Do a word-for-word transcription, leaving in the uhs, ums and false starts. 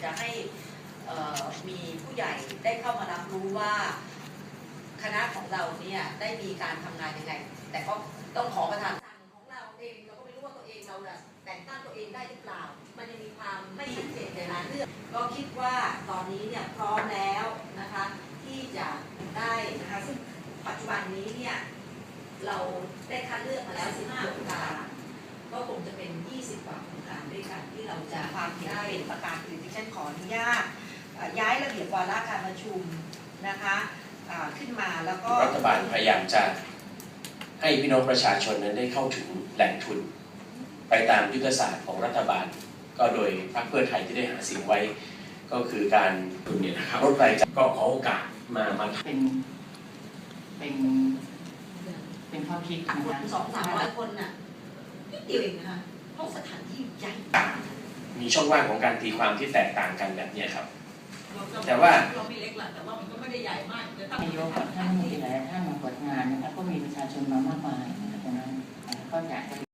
จะให้มีผู้ใหญ่ได้เข้ามารับรู้ว่าคณะของเราเนี่ยได้มีการทำงานยังไงแต่ก็ต้องขอประทานของเราเองเราก็ไม่รู้ว่าตัวเองเราแต่งตั้งตัวเองได้หรือเปล่ามันยังมีความไม่ชัดเจนในรายเรื่องก็คิดว่าตอนนี้เนี่ยพร้อมแล้วนะคะที่จะได้นะคะซึ่งปัจจุบันนี้เนี่ยเราได้คัดเลือกมาแล้วสิบห้าโครงการก็คงจะเป็นยี่สิบกว่าโครงการด้วยกันที่เราจะความเห็นเป็นประการอื่นที่ฉันขออนุญาตย้ายระเบียบวาระการประชุมนะคะขึ้นมาแล้วก็รัฐบาลพยายามจะให้พี่น้องประชาชนนั้นได้เข้าถึงแหล่งทุนไปตามยุทธศาสตร์ของรัฐบาลก็โดยพรรคเพื่อไทยที่ได้หาเสียงไว้ก็คือการทุนเนี่ยนะครับรถไฟก็ขอโอกาสมามาเป็นเป็นเป็นความคิดคนสองสามร้อยคนน่ะนิดเดียวเองนะคะเพราะสถานที่ใหญ่มีช่องว่างของการตีความที่แตกต่างกันแบบนี้ครับแต่ว่าเราไม่เล็กหรอกแต่ว่ามันก็ไม่ได้ใหญ่มากจะตั้งนายกกับท่านมีหลายท่านมาเปิดงานนะครับก็มีประชาชนมามากมายนะครับตรงนั้นก็อยากจะ